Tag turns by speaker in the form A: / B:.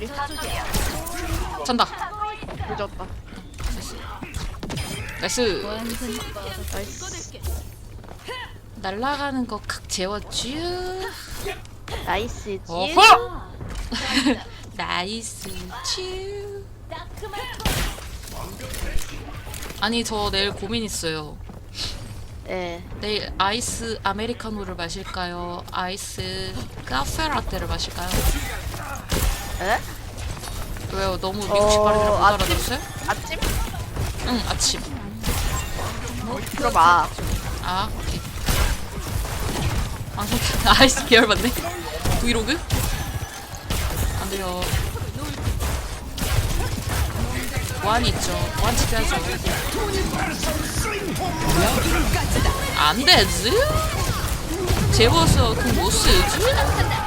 A: 여기.
B: 잔다.
A: 늦었다.
B: 나이스.
A: 나이스.
B: 날아가는 거 칵 재웠쥬.
A: 나이스지.
B: 어허. 나이스 츄. 아니 저 내일 고민 있어요.
A: 예.
B: 내일 아이스 아메리카노를 마실까요? 아이스 카페라떼를 마실까요?
A: 에?
B: 왜요? 너무 미국식 발음이라 못
A: 아침?
B: 알아들었어요?
A: 아침?
B: 응, 아침.
A: 들어봐.
B: 아, 오케이. 방송 아이스 계열 맞네. 브이로그? 안 돼요. 완 있죠. 완 지켜야죠. 안 되지? 재워서 그 못 쓰지?